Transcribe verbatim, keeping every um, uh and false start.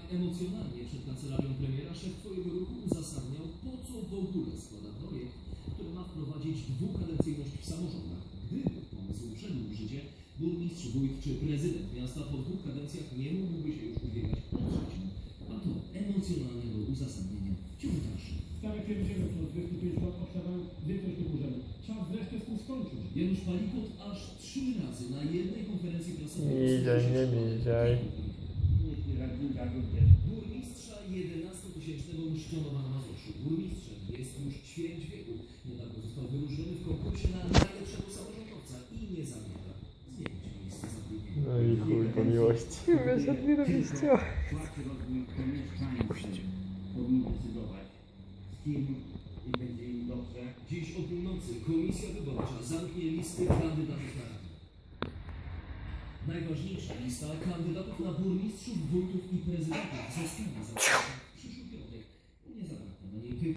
emocjonalnie przed kancelarią premiera szef twojego ruchu uzasadniał, po co w ogóle składa projekt, który ma wprowadzić dwukadencyjność w samorządach. Gdyby pomysł wszedł w życie, burmistrz, wójt czy prezydent miasta po dwóch kadencjach nie mógłby się już ubiegać o trzecią. A to emocjonalnego uzasadnienia wciąż dalsze. Stare pierdziele, co od dwudziestu pięciu lat powstawają większość tych urzędów. Czas wreszcie z tym skończyć. Janusz Palikot aż trzy razy na jednej konferencji prasowej... Idziej, nie idziej. Burmistrza jedenastotysięcznego Mszczonowa na Mazowszu. Burmistrzem jest już ćwierć wieku. Niedawno został wyróżniony w konkursie na najlepszego samorządowca i nie zamierza zmienić miejsca zatrudnienia. No i chuj po miłości. Wiesz, odbierowiście. Płacy rozwój to mieszkańcy powinni decydować, z kim będzie im dobrze. Dziś o północy Komisja Wyborcza zamknie listy kandydatów na radę. Najważniejsza lista kandydatów na burmistrzów, wójtów i prezydentów zostanie zamknięta.